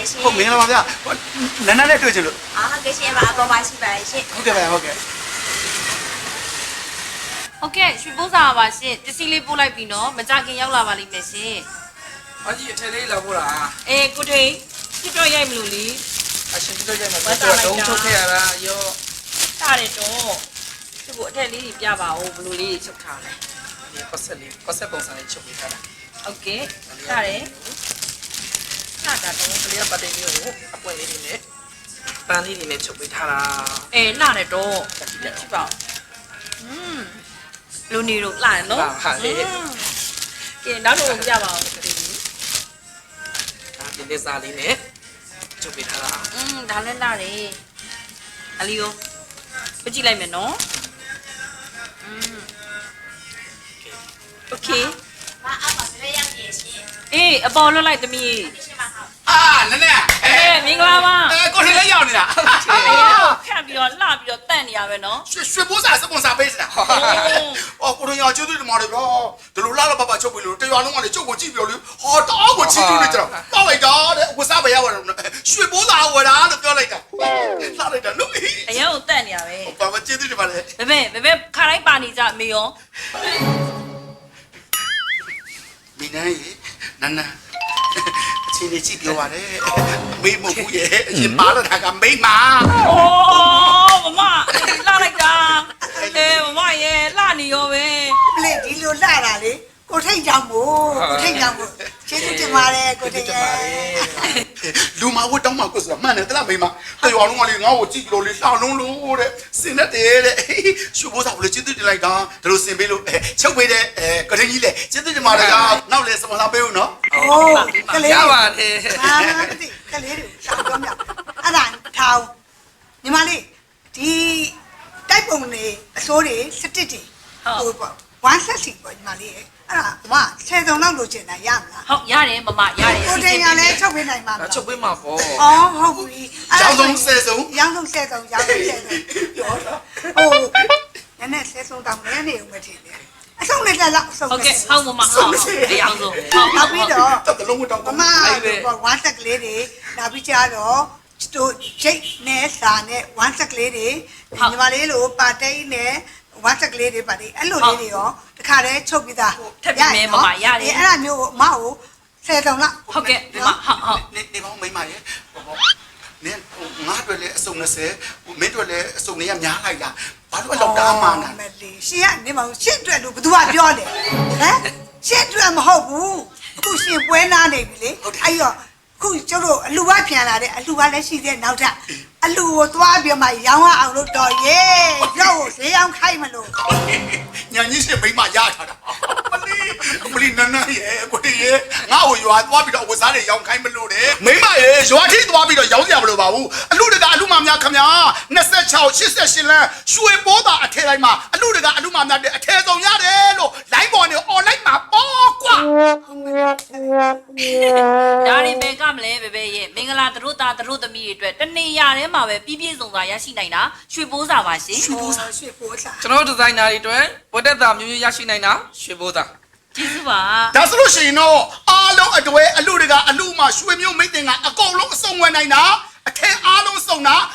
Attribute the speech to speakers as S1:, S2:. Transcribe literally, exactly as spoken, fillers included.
S1: ရှင်
S2: ဟုတ်မင်္ဂလာပါဗျာနန်းနန်းနဲ့တွေ့ချင်လို့
S1: အာဟုတ်ကဲ့ရှင်ပါအပေါ်ပါရှိပါတယ်ရှင်
S2: ဟုတ်ကဲ့ဗျာဟုတ်ကဲ့
S3: ဟုတ်ကဲ့ရွှေပိုးစားပါရှင်ပစ္စည်းလေးပို့လိုက်ပြီနော်မကြခင်ရောက်လာပါလိမ့်မယ်ရှင်
S4: အကြီးအထက်လေးလာဖို့လား
S3: အေးကိုထိန်ပြတော့ရိုက်မလို့လी
S4: အရှင်တို့ကြမှာတော့တုံးထုတ်ခဲ့ရတာရော
S3: တားတယ်တော့သူ့ကိုအထက်လေးကြီးပြပါဦးဘလို့လေးကြီးချုပ်ထားလဲ
S4: ဒီပတ်ဆက်လေးပတ်ဆက်ပုံစံလေးချုပ်ပေးထားတာ
S3: ဟုတ်ကဲ့တားတယ်တားတာတော့
S4: ကလေးကပတ်တဲ့မျိုးကိုအပွင့်လေးတွေနဲ့ပန်းလေးတွေနဲ့ချုပ်ပေးထားတာ
S3: အေးလှတယ်တော့ကြည့်ပါဦးอืมလူနေတော့လှတယ်နော်
S4: ဟာလေ
S3: ကဲနောက်တော့ပြပါဦး
S4: ဒါဒီလေးစားလေးနဲ့ချုပ်ပေးထားတာ
S3: อืมဒါလည်းလှတယ်အလီကိုပြကြည့်လိုက်မယ်နော်อืมโอเค
S1: မအောက်ပါပြည့်ရောက်နေရှင်
S3: အေးအပေါ်လွတ်လိုက်သမီး
S1: ရှင်ပါဟုတ်
S2: အာနန်းနန်း
S3: အေးမင်္ဂလာပါ
S2: အဲကိုထင်လေးရောက်နေတာ
S3: အေးခတ်ပြီးတော့လှပြီးတော့တန့်နေရပဲနော်
S2: ရွှေရွှေပိုးစားစပွန်ဆာပေးစတာအော်ကိုထင်ရကျေးဇူးတင်ပါတယ်ဗျာဒီလိုလာလာပပချုပ်ပြီးလို့တရွာလုံးကလည်းချုပ်ကိုကြည့်ပြီးလို့ဟောတောကိုချီးကျူးနေကြတော့တောက်လိုက်တာတဲ့ဝစားပဲရပါတယ်ရွှေပိုးစားဝယ်တာလို့ပြောလိုက်တာလာလိုက်တာလို့
S3: အရင်ကတန့်နေရပဲ
S2: ဘာမှကျေးဇူးတင်ပါတယ်
S3: ဘယ်ဘယ်ဘယ်ခါတိုင်းပါနေကြအမေရော
S2: မိနန်းရေနန်းနန်းအချင်းကြီးကြည့်ပြောပါတယ်မေးမဟုတ်ဘူးရဲ့အရင်ပါလာတာကမိမ
S3: အိုးမမလှလိုက်တာအေးမမရဲ့လှနေရောပဲ
S5: ပလေဒီလိုလှတာလေကိုထိတ်ကြောင်မို့ကိုထိတ်ကြောင်မို့ကျေးဇူးတင်ပါတယ်ကိုထိတ်ရဲ့
S2: လူမဝတ်တောင်းမှကိုဆိုတာမှန်တယ်တလားမိမတရွာလုံးကလေငါ့ကိုကြည့်ကြလို့လေလှလုံးလို့တဲ့စင်နဲ့တဲ့တဲ့ရှုပ်ဖို့စားဘလို့ကျေးဇူးတင်လိုက်တာဒါလို့စင်ပေးလို့ချုပ်ပေးတဲ့အဲကရင်ကြီးလေကျေးဇူးတင်ပါတယ်ကနောက်လေစပွန်ဆာပေးဦးနော်
S5: โอ้ကလေး
S4: ရပါတယ်
S5: အာတိကလေးတွေရှောင်းတော့မြောက်အဲ့ဒါထောင်ညီမလေးဒီတိုက်ပုံတွေအစိုးတွေစတစ်တွေဟိုပေါ့ဝမ်းဆက်စီပေါ့ညီမလေးအဲ့ဒါမဆယ်စုံလောက်လိုချင်တာရမလား
S3: ဟုတ်ရတယ်မမရတယ်
S5: ကိုထိတ်ရလဲချုပ်ပေးနိုင်မှာမ
S4: ဒါ
S5: လား
S4: ချုပ်ပေးမှာပေါ့
S5: အော်ဟုတ်ပြီ
S2: ရောင်းဆုံးဆယ်ဆုံး
S5: ရောင်းဆုံးဆယ်စုံရောင်းဆုံးဆယ်စုံပြောတော့ဟိုနည်းနည်းဆယ်စုံတောင်နည်းနေဦးမထင်နဲ့အဆုံးနဲ့တက်လောက်အဆုံး
S3: ဟုတ်ကဲ့ဟုတ်မမဟုတ်တရားဆုံးဟုတ်
S5: နောက်ပြီးတော့
S2: တတလုံးဝတ်တောင်း
S5: မမဝမ်းဆက်ကလေးတွေနောက်ပြီးကြတော့တို့ဂျိတ်နဲ့စာနဲ့ဝမ်းဆက်ကလေးတွေညီမလေးလိုပါတိတ်နဲ့ဝမ်းဆက်ကလေးတွေပါတယ်အဲ့လိုလေးတွေရောတခါတည်းချုပ်ပြီးသားအဲ့ဒါမျိုးကိုအမကိုဆယ်စုံလောက်
S3: ဟုတ်ကဲ့မမဟုတ်ဟုတ်
S2: နေနေပေါင်းမိမရေနင်ငါတို့လည်းအစုံနှစ်ဆယ်မင်းတို့လည်းအစုံလေးကများလိုက်တာဘာလို့လောက်တာမှန်းတာ
S5: မလေးရှင်ကနေမရှင်းတွေ့လို့ဘသူကပြောတယ်ဟမ်ရှင်းတွေ့မဟုတ်ဘူးအခုရှင်ပွဲနာနေပြီလေအဲ့ရောခုကျတို့အလူကပြန်လာတဲ့အလူကလည်းရှိသေးနောက်ထပ်အလူကိုသွားပြီးမှရောင်းအောင်လို့တော်ရဲ့ရောက်ကိုဈေးအောင်ခိုင်းမလို့
S2: ညာကြီးရှင်မိမရထားတာမလီမလီနန်းနန်းရေကိုတည်းရေငါ့ကိုရွာသွားပြီးတော့ဝစားတွေရောင်းခိုင်းမလို့တဲ့မိမရေရွာထိသွားပြီးတော့ရောင်းကြမလို့ပါဘူးအလူတကအလူမများခမညာ26 88လမ်းရွှေပိုးတာအထဲတိုင်းမှာအလူတကအလူမများတဲ့အထဲဆုံးရတယ်လို့ line ပေါ်နေ online မှာပေါ့ကွာ
S3: ဒါရင်ဘယ်ကမလဲဘယ်ဘယ်ရဲ့မင်္ဂလာတို့သားတို့သမီးတွေအတွက်တနေရာထဲမှာပဲပြည့်ပြည့်စုံစွာရရှိနိုင်တာရွှေပိုးစာပါရှင်
S5: ရွှေပိုးစားရွှေပိုးစား
S4: ကျွန်တော်တို့ဒီဇိုင်နာတွေအတွက်ဝတ်သက်တာမျိုးမျိုးရရှိနိုင်တာရွှေဘိုးသား
S3: ကျေးဇူးပါ
S2: ဒါဆိုလို့ရှိရင်တော့အားလုံးအတွဲအလူတကအလူမှာရွှေမျိုးမိတ်တင်ကအကုန်လုံးအစုံဝင်နိုင်တာအထက်အားလုံးစုံတာ